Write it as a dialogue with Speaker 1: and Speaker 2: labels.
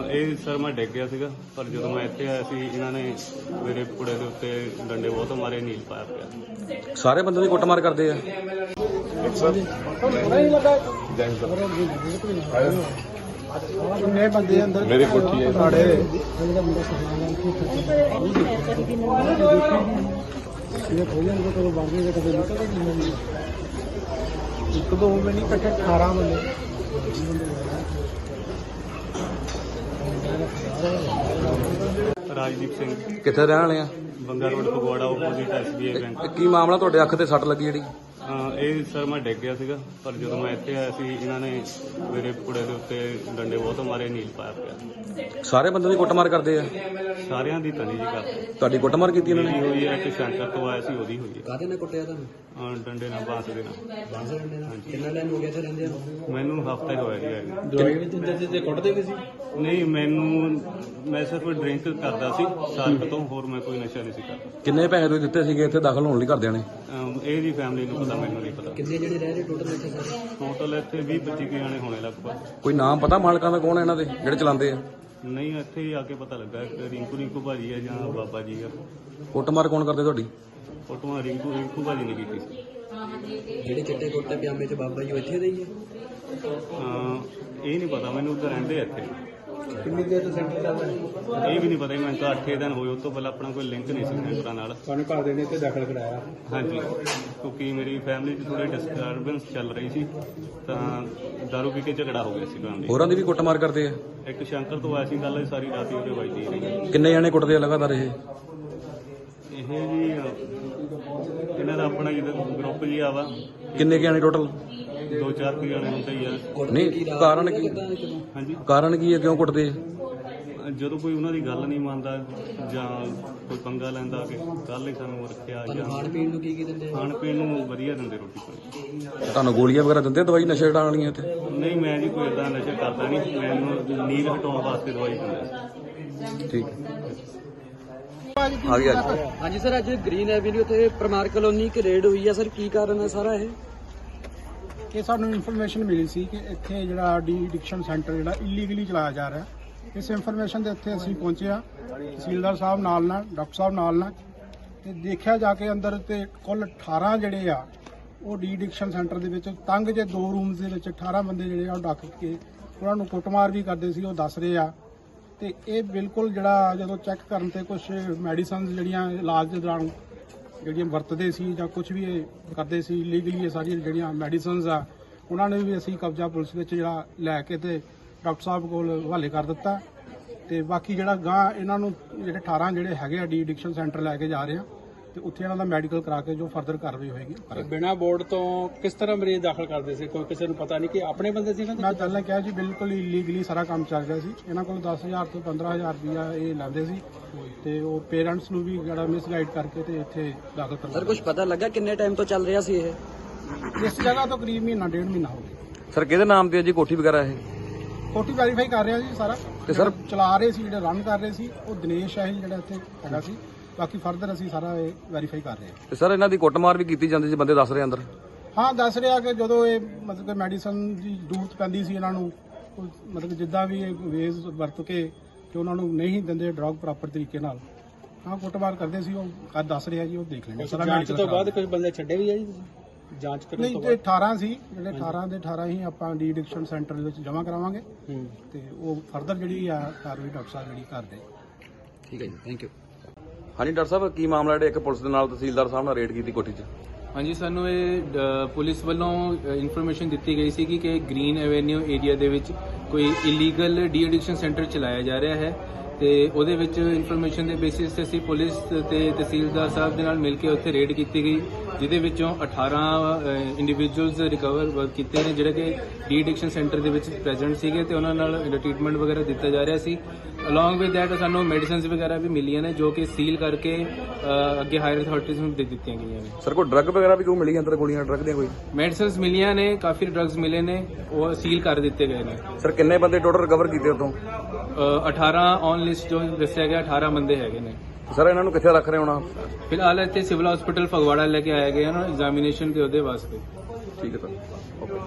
Speaker 1: ਇਹ ਸਰ ਮੈਂ ਡਿੱਗ ਗਿਆ ਸੀਗਾ, ਪਰ ਜਦੋਂ ਮੈਂ ਇੱਥੇ ਆਇਆ ਸੀ ਇਹਨਾਂ ਨੇ ਮੇਰੇ ਕੁੜੇ ਦੇ ਉੱਤੇ ਡੰਡੇ ਬਹੁਤ ਮਾਰੇ, ਨੀਲ ਪਾਇਆ ਪਿਆ।
Speaker 2: ਸਾਰੇ ਬੰਦੇ ਦੀ ਕੁੱਟਮਾਰ ਕਰਦੇ ਆ।
Speaker 3: ਕਿੰਨੇ ਬੰਦੇ ਅੰਦਰ
Speaker 4: ਮੇਰੀ ਕੋਠੀ ਹੈ
Speaker 3: ਇੱਕ ਦੋ ਵੀ ਨਹੀਂ ਇਕੱਠੇ 18 ਬੰਦੇ।
Speaker 1: ਰਾਜਦੀਪ ਸਿੰਘ,
Speaker 2: ਕਿੱਥੇ ਰਹਿਣ ਵਾਲੇ ਆ?
Speaker 1: Banga road Phagwara, opposite SBI bank.
Speaker 2: ਕੀ ਮਾਮਲਾ ਤੁਹਾਡੇ ਅੱਖ ਤੇ ਸੱਟ ਲੱਗੀ ਜਿਹੜੀ?
Speaker 1: ਇਹ ਸਰ ਮੈਂ ਡਿੱਗ ਗਿਆ ਸੀਗਾ, ਪਰ ਜਦੋਂ ਮੈਂ ਇੱਥੇ ਆਇਆ ਸੀ ਇਹਨਾਂ ਨੇ ਮੇਰੇ ਕੁੜੇ ਦੇ ਉੱਤੇ ਡੰਡੇ ਬਹੁਤ ਮਾਰੇ, ਨੀਲ ਪਾਇਆ ਪਿਆ।
Speaker 2: ਸਾਰੇ ਬੰਦੇ ਦੀ ਕੁੱਟਮਾਰ ਕਰਦੇ ਆ।
Speaker 1: ਸਾਰਿਆਂ ਦੀ ਤਨੀ ਜੀ ਕਰਦੇ।
Speaker 2: ਤੁਹਾਡੀ ਕੁੱਟਮਾਰ ਕੀਤੀ ਇਹਨਾਂ ਨੇ?
Speaker 1: ਹੋਈ ਹੈ ਕਿ ਸੈਂਟਰ ਤੋਂ ਆਇਆ ਸੀ, ਉਹਦੀ ਹੋਈ ਹੈ।
Speaker 2: ਕਾਹਦੇ ਨਾਲ ਕੁੱਟਿਆ ਤੁਹਾਨੂੰ?
Speaker 1: ਡੰਡੇ ਨਾਲ, ਬਾਂਸ ਦੇ ਨਾਲ।
Speaker 2: ਕਿੰਨਾ ਟਾਈਮ ਹੋ ਗਿਆ ਇੱਥੇ ਰਹਿੰਦੇ?
Speaker 1: ਮੈਨੂੰ ਹਫ਼ਤਾ ਹੀ ਹੋਇਆ ਜੀ।
Speaker 2: ਦਵਾਈ ਵੀ ਦਿੰਦੇ ਸੀ ਤੇ ਕੁੱਟਦੇ ਵੀ ਸੀ?
Speaker 1: ਨਹੀਂ, ਮੈਂ ਸਿਰਫ ਡਰਿੰਕ ਕਰਦਾ ਸੀ ਸਾਲ ਤੋਂ, ਹੋਰ ਮੈਂ ਕੋਈ ਨਸ਼ਾ ਨਹੀਂ ਸੀ ਕਰਦਾ।
Speaker 2: ਕਿੰਨੇ ਪੈਸੇ ਤੁਸੀਂ ਦਿੱਤੇ ਸੀਗੇ ਇੱਥੇ ਦਾਖਲ ਹੋਣ ਲਈ ਘਰਦਿਆਂ ਨੇ?
Speaker 1: ਇਹ ਦੀ ਫੈਮਿਲੀ ਨੂੰ ਪਤਾ, ਮੈਨੂੰ ਨਹੀਂ ਪਤਾ।
Speaker 2: ਕਿੰਨੇ ਜਿਹੜੇ ਰਹਿ ਰਹੇ ਟੋਟਲ ਇੱਥੇ?
Speaker 1: ਟੋਟਲ ਇੱਥੇ 20-25 ਜਾਣੇ ਹੋਣੇ ਲਗਭਗ।
Speaker 2: ਕੋਈ ਨਾਮ ਪਤਾ ਮਾਲਕਾਂ ਦਾ ਕੌਣ ਹੈ ਇਹਨਾਂ ਦੇ ਜਿਹੜੇ ਚਲਾਉਂਦੇ ਆ?
Speaker 1: ਨਹੀਂ, ਇੱਥੇ ਹੀ ਆ ਕੇ ਪਤਾ ਲੱਗਾ ਕਿ ਰਿੰਕੂ ਭਾਜੀ ਹੈ ਜਾਂ ਬਾਬਾ ਜੀ ਆ।
Speaker 2: ਕੁੱਟਮਾਰ ਕੌਣ ਕਰਦੇ ਤੁਹਾਡੀ?
Speaker 1: ਫੋਟੋਆਂ ਰਿੰਕੂ ਭਾਜੀ ਨੇ ਕੀਤੀ ਸੀ।
Speaker 2: ਜਿਹੜੇ ਚਿੱਟੇ ਕੁੱਟੇ ਪਜਾਮੇ 'ਚ ਬਾਬਾ ਜੀ ਇੱਥੇ ਦੇ ਹੀ ਆ?
Speaker 1: ਇਹ ਨਹੀਂ ਪਤਾ ਮੈਨੂੰ, ਉੱਧਰ ਰਹਿੰਦੇ ਆ ਇੱਥੇ।
Speaker 3: ਕਿੰਨੀ ਦੇਰ ਤੋਂ ਸੈਂਟਰ ਚੱਲਦਾ ਹੈ?
Speaker 1: ਇਹ ਵੀ ਨਹੀਂ ਪਤਾ, ਮੈਨੂੰ ਤਾਂ 8 ਦਿਨ ਹੋਏ। ਉਸ ਤੋਂ ਪਹਿਲਾਂ ਆਪਣਾ ਕੋਈ ਲਿੰਕ ਨਹੀਂ ਸੀ ਸੈਂਟਰਾਂ ਨਾਲ।
Speaker 3: ਤੁਹਾਨੂੰ ਘਰ ਦੇ ਨੇ ਇੱਥੇ ਦਾਖਲ ਕਰਾਇਆ?
Speaker 1: ਹਾਂਜੀ, ਕਿਉਂਕਿ ਮੇਰੀ ਫੈਮਿਲੀ 'ਚ ਥੋੜੀ ਡਿਸਟਰਬੈਂਸ ਚੱਲ ਰਹੀ ਸੀ, ਤਾਂ ਦਾਰੂ ਪੀ ਕੇ ਝਗੜਾ ਹੋ ਗਿਆ ਸੀ ਫੈਮਿਲੀ।
Speaker 2: ਹੋਰਾਂ ਦੀ ਵੀ ਕੁੱਟਮਾਰ ਕਰਦੇ ਆ?
Speaker 1: ਇੱਕ ਸ਼ੰਕਰ ਤੋਂ ਆਇਆ ਸੀ, ਗੱਲ ਸਾਰੀ ਰਾਤ ਹੀ ਉਹਦੇ ਵੱਜਦੀ ਰਹੀ।
Speaker 2: ਕਿੰਨੇ ਜਾਣੇ ਕੁੱਟਦੇ ਆ ਲਗਾਤਾਰ ਇਹ?
Speaker 1: ਇਹ ਜੀ ਇਹਨਾਂ ਦਾ ਆਪਣਾ ਜਿਹੜਾ ਗਰੁੱਪ ਜੀ ਆ ਵਾ,
Speaker 2: ਕਿੰਨੇ ਕੁ ਜਾਣੇ ਟੋਟਲ?
Speaker 1: 2-4 ਕੁ ਜਾਣੇ ਹੁੰਦੇ ਹੀ ਆ।
Speaker 2: ਨਹੀਂ, ਕਾਰਨ ਕੀ?
Speaker 1: ਹਾਂਜੀ,
Speaker 2: ਕਾਰਨ ਕੀ ਹੈ, ਕਿਉਂ ਕੁੱਟਦੇ ਆ?
Speaker 1: ਜਦੋਂ ਕੋਈ ਉਹਨਾਂ ਦੀ ਗੱਲ ਨਹੀਂ ਮੰਨਦਾ ਜਾਂ ਕੋਈ ਪੰਗਾ ਲੈਂਦਾ ਕਿ ਕੱਲ ਹੀ ਸਾਨੂੰ ਰੱਖਿਆ, ਜਾਂ
Speaker 2: ਖਾਣ ਪੀਣ ਨੂੰ ਕੀ ਦਿੰਦੇ?
Speaker 1: ਖਾਣ ਪੀਣ ਨੂੰ ਵਧੀਆ ਦਿੰਦੇ, ਰੋਟੀ ਪਾਣੀ।
Speaker 2: ਤੁਹਾਨੂੰ ਗੋਲੀਆਂ ਵਗੈਰਾ ਦਿੰਦੇ, ਦਵਾਈ ਨਸ਼ੇ ਹਟਾਉਣ ਵਾਲੀਆਂ ਇੱਥੇ?
Speaker 1: ਨਹੀਂ, ਮੈਂ ਜੀ ਕੋਈ ਏਦਾਂ ਨਸ਼ਾ ਕਰਦਾ ਨਹੀਂ, ਮੈਨੂੰ ਨੀਂਦ ਹਟਾਉਣ ਵਾਸਤੇ ਦਵਾਈ ਦਿੰਦੇ।
Speaker 2: ਠੀਕ ਆ ਗਿਆ।
Speaker 5: ਹਾਂਜੀ ਸਰ, ਅੱਜ ਗ੍ਰੀਨ ਐਵੀਨਿਊ ਤੇ ਪਰਮਾਰ ਕਲੋਨੀ ਇੱਕ ਰੇਡ ਹੋਈ ਹੈ ਸਰ, ਕੀ ਕਾਰਨ ਹੈ ਸਾਰਾ ਇਹ?
Speaker 3: ਕਿ ਸਾਨੂੰ ਇਨਫੋਰਮੇਸ਼ਨ ਮਿਲੀ ਸੀ ਕਿ ਇੱਥੇ ਜਿਹੜਾ ਡੀ ਐਡਿਕਸ਼ਨ ਸੈਂਟਰ ਜਿਹੜਾ ਇਲੀਗਲੀ ਚਲਾਇਆ ਜਾ ਰਿਹਾ। ਇਸ ਇਨਫੋਰਮੇਸ਼ਨ ਦੇ ਉੱਤੇ ਅਸੀਂ ਪਹੁੰਚੇ ਆ, ਤਹਿਸੀਲਦਾਰ ਸਾਹਿਬ ਨਾਲ ਡਾਕਟਰ ਸਾਹਿਬ ਨਾਲ ਤੇ ਦੇਖਿਆ ਜਾ ਕੇ ਅੰਦਰ ਤੇ ਕੁੱਲ 18 ਜਿਹੜੇ ਆ ਉਹ ਡੀ ਐਡਿਕਸ਼ਨ ਸੈਂਟਰ ਦੇ ਵਿੱਚ ਤੰਗ ਜੇ 2 ਰੂਮਸ ਦੇ ਵਿੱਚ 18 ਬੰਦੇ ਜਿਹੜੇ ਆ ਉਹ ਡੱਕ ਕੇ ਉਹਨਾਂ ਨੂੰ ਕੁੱਟਮਾਰ ਵੀ ਕਰਦੇ ਸੀ, ਉਹ ਦੱਸ ਰਹੇ ਆ। ਤੇ ਇਹ ਬਿਲਕੁਲ ਜਿਹੜਾ ਜਦੋਂ ਚੈੱਕ ਕਰਨ ਤੇ ਕੁਝ ਮੈਡੀਸਨਸ ਜਿਹੜੀਆਂ ਇਲਾਜ ਦੇ ਦੌਰਾਨ ਜਿਹੜੀਆਂ ਵਰਤਦੇ ਸੀ ਜਾਂ ਕੁਝ ਵੀ ਇਹ ਕਰਦੇ ਸੀ ਲੀਗਲੀ, ਇਹ ਸਾਰੀਆਂ ਜਿਹੜੀਆਂ ਮੈਡੀਸਨਸ ਆ ਉਹਨਾਂ ਨੇ ਵੀ ਅਸੀਂ ਕਬਜ਼ਾ ਪੁਲਿਸ ਵਿੱਚ ਜਿਹੜਾ ਲੈ ਕੇ ਤੇ ਡਾਕਟਰ ਸਾਹਿਬ ਕੋਲ ਹਵਾਲੇ ਕਰ ਦਿੱਤਾ। ਤੇ ਬਾਕੀ ਜਿਹੜਾ ਗਾਂ ਇਹਨਾਂ ਨੂੰ ਜਿਹੜੇ 18 ਜਿਹੜੇ ਹੈਗੇ ਆ ਡੀ ਐਡਿਕਸ਼ਨ ਸੈਂਟਰ ਲੈ ਕੇ ਜਾ ਰਹੇ ਆ ਤੇ ਉੱਥੇ ਇਹਨਾਂ ਦਾ ਮੈਡੀਕਲ ਕਰਾ ਕੇ ਜੋ ਫਰਦਰ ਕਾਰਵਾਈ ਹੋਏਗੀ।
Speaker 6: ਬਿਨਾਂ ਬੋਰਡ ਤੋਂ ਕਿਸ ਤਰ੍ਹਾਂ ਮਰੀਜ਼ ਦਾਖਲ ਕਰਦੇ ਸੀ? ਕੋਈ ਕਿਸੇ ਨੂੰ ਪਤਾ ਨਹੀਂ ਕਿ ਆਪਣੇ ਬੰਦੇ ਸੀ?
Speaker 3: ਮੈਂ ਪਹਿਲਾਂ ਕਿਹਾ ਜੀ ਬਿਲਕੁਲ ਇਲੀਗਲੀ ਸਾਰਾ ਕੰਮ ਚੱਲ ਰਿਹਾ ਸੀ। ਇਹਨਾਂ ਕੋਲ 10,000 ਤੋਂ 15,000 ਰੁਪਇਆ ਇਹ ਲੈਂਦੇ ਸੀ ਤੇ ਉਹ ਪੇਰੈਂਟਸ ਨੂੰ ਵੀ ਜਿਹੜਾ ਮਿਸਗਾਈਡ ਕਰਕੇ ਤੇ ਇੱਥੇ ਦਾਖਲ ਕਰਵਾ।
Speaker 5: ਸਰ ਕੁਝ ਪਤਾ ਲੱਗਾ ਕਿੰਨੇ ਟਾਈਮ ਤੋਂ ਚੱਲ ਰਿਹਾ ਸੀ ਇਹ?
Speaker 3: ਇਸ ਜਗ੍ਹਾ ਤੋਂ ਕਰੀਬ ਮਹੀਨਾ 1.5 ਮਹੀਨਾ ਹੋ ਗਿਆ।
Speaker 2: ਸਰ ਕਿਹਦੇ ਨਾਮ ਤੇ ਹੈ ਜੀ ਕੋਠੀ ਵਗੈਰਾ ਇਹ?
Speaker 3: ਕੋਠੀ ਵੈਰੀਫਾਈ ਕਰ ਰਿਹਾ ਜੀ ਸਾਰਾ।
Speaker 2: ਤੇ ਸਰ
Speaker 3: ਚਲਾ ਰਹੇ ਸੀ, ਜਿਹੜੇ ਰਨ ਕਰ ਰਹੇ ਸੀ ਉਹ ਦਿਨੇਸ਼ ਹੈ ਜਿਹੜਾ ਇੱਥੇ ਹੈਗਾ ਸੀ। ਬਾਕੀ ਫਰਦਰ ਅਸੀਂ ਸਾਰਾ ਇਹ ਵੈਰੀਫਾਈ ਕਰ ਰਹੇ ਹਾਂ।
Speaker 2: ਤੇ ਸਰ ਇਹਨਾਂ ਦੀ ਕੁੱਟਮਾਰ ਵੀ ਕੀਤੀ ਜਾਂਦੀ ਸੀ, ਬੰਦੇ ਦੱਸ ਰਹੇ ਅੰਦਰ?
Speaker 3: ਹਾਂ, ਦੱਸ ਰਿਹਾ ਕਿ ਜਦੋਂ ਇਹ ਮਤਲਬ ਕਿ ਮੈਡੀਸਨ ਦੀ ਜ਼ਰੂਰਤ ਪੈਂਦੀ ਸੀ ਇਹਨਾਂ ਨੂੰ, ਮਤਲਬ ਜਿੱਦਾਂ ਵੀ ਇਹ ਵੇਜ਼ ਵਰਤ ਕੇ ਕਿ ਉਹਨਾਂ ਨੂੰ ਨਹੀਂ ਦਿੰਦੇ ਡਰਗ ਪ੍ਰੋਪਰ ਤਰੀਕੇ ਨਾਲ, ਹਾਂ ਕੁੱਟਮਾਰ ਕਰਦੇ ਸੀ। ਉਹ ਦੱਸ ਰਿਹਾ ਜੀ, ਉਹ ਦੇਖ ਲੈਂਦੇ ਸਾਰਾ।
Speaker 6: ਜਾਂਚ ਤੋਂ ਬਾਅਦ ਕੁਝ ਬੰਦੇ ਛੱਡੇ ਵੀ ਆ ਜੀ ਜਾਂਚ ਕਰਨ
Speaker 3: ਨਹੀਂ,
Speaker 6: ਤੋਂ
Speaker 3: ਤੇ 18 ਸੀ ਜਿਹੜੇ 18 ਦੇ 18 ਹੀ ਆਪਾਂ ਡੀ ਐਡਿਕਸ਼ਨ ਸੈਂਟਰ ਦੇ ਵਿੱਚ ਜਮ੍ਹਾਂ ਕਰਾਵਾਂਗੇ ਤੇ ਉਹ ਫਰਦਰ ਜਿਹੜੀ ਆ ਕਾਰਵਾਈ ਡਾਕਟਰ ਸਾਹਿਬ ਜਿਹੜੀ ਕਰਦੇ।
Speaker 2: ਠੀਕ ਹੈ ਜੀ, ਥੈਂਕ ਯੂ। ਹਾਂਜੀ ਡਾਕਟਰ ਸਾਹਿਬ, ਕੀ ਮਾਮਲਾ ਜਿਹੜੇ ਇੱਕ ਪੁਲਿਸ ਦੇ ਨਾਲ ਤਹਿਸੀਲਦਾਰ ਸਾਹਿਬ ਨਾਲ ਰੇਡ ਕੀਤੀ ਕੋਠੀ 'ਚ?
Speaker 7: ਹਾਂਜੀ, ਸਾਨੂੰ ਇਹ ਪੁਲਿਸ ਵੱਲੋਂ ਇਨਫੋਰਮੇਸ਼ਨ ਦਿੱਤੀ ਗਈ ਸੀ ਕਿ ਗ੍ਰੀਨ ਐਵੇਨਿਊ ਏਰੀਆ ਦੇ ਵਿੱਚ ਕੋਈ ਇਲੀਗਲ ਡੀ ਐਡਿਕਸ਼ਨ ਸੈਂਟਰ ਚਲਾਇਆ ਜਾ ਰਿਹਾ ਹੈ ਤੇ ਉਹਦੇ ਵਿੱਚ ਇਨਫੋਰਮੇਸ਼ਨ ਦੇ ਬੇਸਿਸ ਤੇ ਅਸੀਂ ਪੁਲਿਸ ਤੇ ਤਹਿਸੀਲਦਾਰ ਸਾਹਿਬ ਦੇ ਨਾਲ ਮਿਲ ਕੇ ਉੱਥੇ ਰੇਡ ਕੀਤੀ ਗਈ, ਜਿਹਦੇ ਵਿੱਚੋਂ 18 ਇੰਡੀਵਿਜੂਅਲਸ ਰਿਕਵਰ ਕੀਤੇ ਨੇ ਜਿਹੜੇ ਕਿ ਡੀ ਐਡਿਕਸ਼ਨ ਸੈਂਟਰ ਦੇ ਵਿੱਚ ਪ੍ਰੈਜ਼ੈਂਟ ਸੀਗੇ ਤੇ ਉਹਨਾਂ ਨਾਲ ਟ੍ਰੀਟਮੈਂਟ ਵਗੈਰਾ ਦਿੱਤਾ ਜਾ ਰਿਹਾ ਸੀ। ਅਲੋਂਗ ਵਿਦ ਦੈਟ ਸਾਨੂੰ ਮੈਡੀਸਿਨਸ ਵਗੈਰਾ ਵੀ ਮਿਲੀਆਂ ਨੇ ਜੋ ਕਿ ਸੀਲ ਕਰਕੇ ਅੱਗੇ ਹਾਇਰ ਅਥਾਰਟੀਜ਼ ਨੂੰ ਦੇ ਦਿੱਤੀਆਂ ਗਈਆਂ ਨੇ।
Speaker 2: ਸਰ ਕੋਈ ਡਰੱਗ ਵਗੈਰਾ ਵੀ ਕੋਈ ਮਿਲੀ ਅੰਦਰ, ਗੋਲੀਆਂ ਡਰੱਗ ਦੀਆਂ ਕੋਈ?
Speaker 7: ਮੈਡੀਸਿਨਸ ਮਿਲੀਆਂ ਨੇ, ਕਾਫੀ ਡਰੱਗਸ ਮਿਲੇ ਨੇ, ਉਹ ਸੀਲ ਕਰ ਦਿੱਤੇ ਗਏ ਨੇ।
Speaker 2: ਸਰ ਕਿੰਨੇ ਬੰਦੇ ਟੋਟਲ ਰਿਕਵਰ ਕੀਤੇ ਉਤੋਂ?
Speaker 7: 18 ਔਨ ਲਿਸਟ ਜੋ ਦੱਸਿਆ ਗਿਆ 18 ਬੰਦੇ ਹੈਗੇ ਨੇ।
Speaker 2: ਸਰ ਇਹਨਾਂ ਨੂੰ ਕਿੱਥੇ ਰੱਖ ਰਹੇ ਹੋਣਾ?
Speaker 7: ਫਿਲਹਾਲ ਇੱਥੇ ਸਿਵਲ ਹਸਪੀਟਲ ਫਗਵਾੜਾ ਲੈ ਕੇ ਆਏ ਗਏ ਹਨ ਐਗਜ਼ਾਮੀਨੇਸ਼ਨ ਤੇ ਉਹਦੇ ਵਾਸਤੇ।
Speaker 2: ਠੀਕ ਹੈ ਸਰ, ਓਕੇ।